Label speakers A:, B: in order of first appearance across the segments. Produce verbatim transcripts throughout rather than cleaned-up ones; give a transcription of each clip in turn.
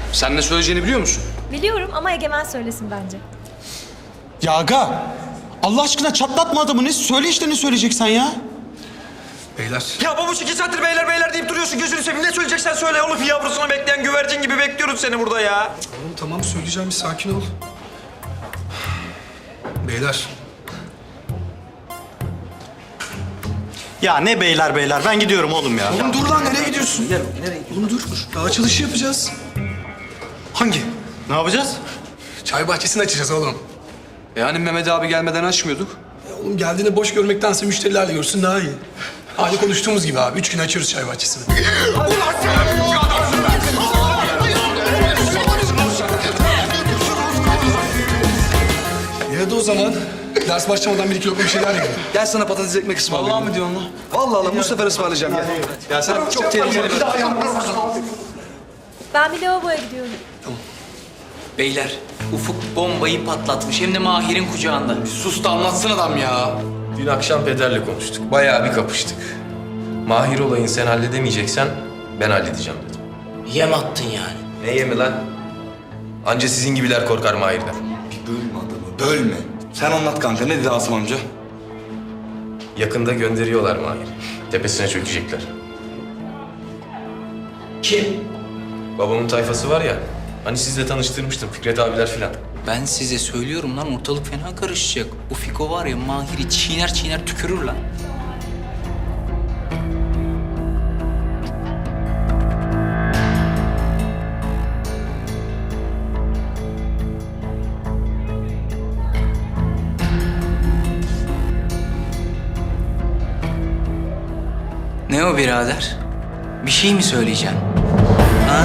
A: Sen ne söyleyeceğini biliyor musun?
B: Biliyorum ama Egemen söylesin bence.
C: Ya aga, Allah aşkına çatlatma adamı. Ne söyle işte, ne söyleyeceksen ya.
D: Beyler.
E: Ya babuş iki saattir beyler beyler deyip duruyorsun. Gözünü seveyim. Ne söyleyeceksen söyle oğlum. Yavrusunu bekleyen güvercin gibi bekliyoruz seni burada ya.
D: Oğlum tamam söyleyeceğim, bir sakin ol. Beyler.
F: Ya ne beyler beyler, ben gidiyorum oğlum ya.
D: Oğlum dur lan, nereye gidiyorsun? Oğlum dur. Daha açılışı yapacağız.
F: Hangi? Ne yapacağız?
D: Çay bahçesini açacağız oğlum.
A: Yani Mehmet abi gelmeden açmıyorduk.
D: Ya oğlum geldiğinde boş görmektense müşterilerle görsün daha iyi. Hani konuştuğumuz gibi abi, üç gün açıyoruz çay bahçesini. Ya da o zaman ders başlamadan bir iki lokma bir şeyler yiyelim.
A: Gel sana patates ekmek ısmarlayayım. Vallahi mi diyorsun lan? Vallahi lan bu sefer ısmarlayacağım ya. Ya sen çok tehlikeli bir...
B: Ben bir lavaboya gidiyorum.
G: Beyler, Ufuk bombayı patlatmış. Hem de Mahir'in kucağında.
A: Sus da anlatsın adam ya.
H: Dün akşam pederle konuştuk. Bayağı bir kapıştık. Mahir olayını sen halledemeyeceksen ben halledeceğim dedim.
G: Yem attın yani.
H: Ne yemi lan? Anca sizin gibiler korkar Mahir'den.
E: Bir bölme adamı, bölme. Sen anlat kanka. Ne dedi Asım amca?
H: Yakında gönderiyorlar Mahir'i. Tepesine çökecekler.
G: Kim?
H: Babamın tayfası var ya, hani sizle tanıştırmıştım Fikret abiler filan.
G: Ben size söylüyorum lan, ortalık fena karışacak. Bu Fiko var ya, Mahir'i çiğner çiğner tükürür lan. Ne o birader? Bir şey mi söyleyeceksin? Ha?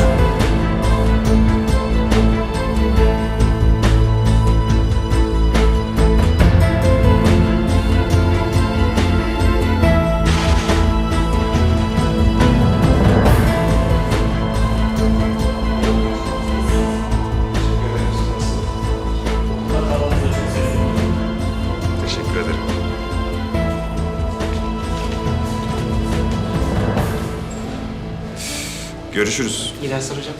H: Teşekkür ederim.
E: Görüşürüz.
G: İyi dersler hocam.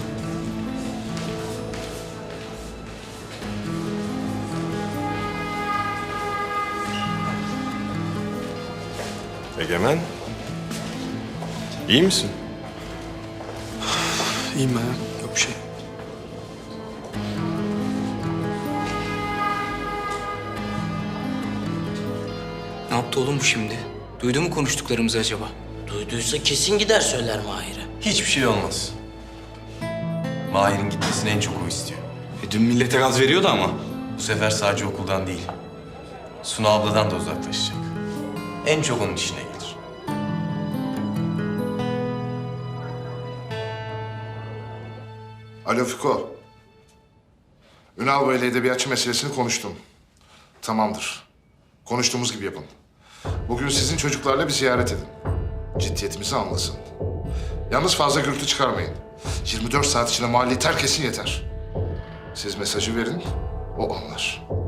H: Egemen, iyi misin?
D: İyiyim ben ya, yok bir şey.
G: Ne yaptı oğlum bu şimdi? Duydu mu konuştuklarımızı acaba?
I: Duyduysa kesin gider söyler Mahir'e.
H: Hiçbir şey olmaz. Mahir'in gitmesini en çok o istiyor.
E: E, dün millete gaz veriyordu ama.
H: Bu sefer sadece okuldan değil, Suna abladan da uzaklaşacak. En çok onun işine gelir.
J: Alo Fiko. Ünal Bey'le edebiyatçı meselesini konuştum. Tamamdır. Konuştuğumuz gibi yapın. Bugün sizin çocuklarla bir ziyaret edin. Ciddiyetimizi anlasın. Yalnız fazla gürültü çıkarmayın. yirmi dört saat içinde mahalleyi terk etsin yeter. Siz mesajı verin, o anlar.